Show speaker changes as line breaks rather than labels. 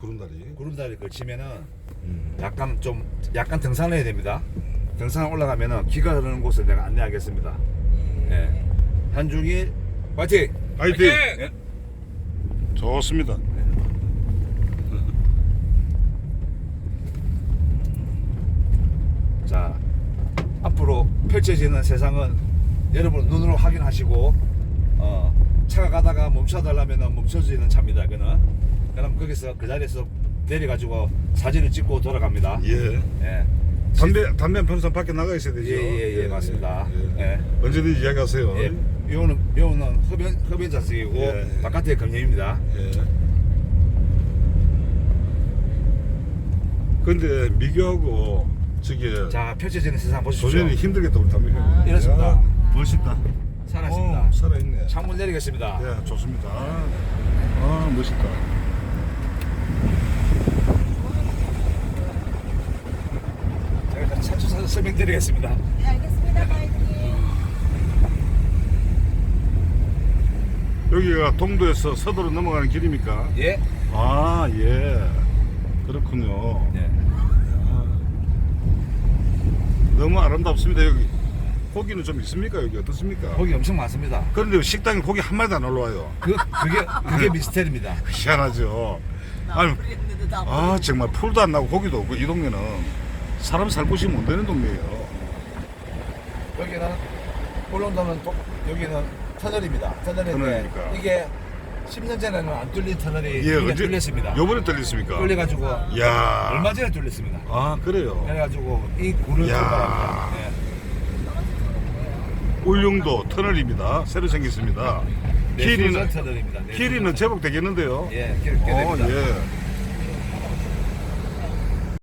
구름다리.
구름다리 걸치면은 약간 등산을 해야 됩니다. 등산 올라가면은 기가 흐르는 곳을 내가 안내하겠습니다. 예. 한중일 파이팅!
파이팅!
예.
좋습니다.
자, 앞으로 펼쳐지는 세상은 여러분 눈으로 확인하시고 차가 가다가 멈춰달라면 멈춰지는 차입니다. 그럼 거기서 그 자리에서 내려가지고 사진을 찍고 돌아갑니다.
예.
예.
담배 한 평선 밖에 나가 있어야 되죠.
예, 맞습니다.
예.
예.
언제든지 이야기하세요.
예. 묘는 흡연자석이고
예.
바깥에 금연입니다.
예. 근데 미교하고 저기
자, 펼쳐지는 세상 보십시오.
도전이 힘들겠다 우리 담배 형.
이렇습니다.
야, 멋있다.
살아있습니다.
살아있네.
창문 내리겠습니다.
예, 좋습니다. 아, 멋있다.
제가 일단 차주사 설명드리겠습니다.
네, 알겠습니다. 파이팅.
여기가 동도에서 서도로 넘어가는 길입니까?
예.
아, 예. 그렇군요.
예.
너무 아름답습니다. 여기 고기는 좀 있습니까? 여기 어떻습니까?
고기 엄청 많습니다.
그런데 식당에 고기 한 마리도 안 올라와요.
그게 미스테리입니다.
희한하죠. 아니, 아 정말 풀도 안 나고 고기도 없고 이 동네는 사람 살 곳이 못 되는 동네예요.
여기는 울릉도는 여기는 터널입니다. 터널인데
터널이니까.
이게 10년 전에는 안 뚫린 터널이
예,
이게
언제
뚫렸습니다.
요번에 뚫렸습니까?
뚫려가지고
야,
얼마 전에 뚫렸습니다.
아 그래요.
그래가지고 이 굴을
야.
출발합니다. 예.
울릉도 터널입니다. 새로 생겼습니다.
내수전
길이는
터널입니다. 내수전
길이는 제법 되겠는데요.
예, 꽤 됩니다.
예.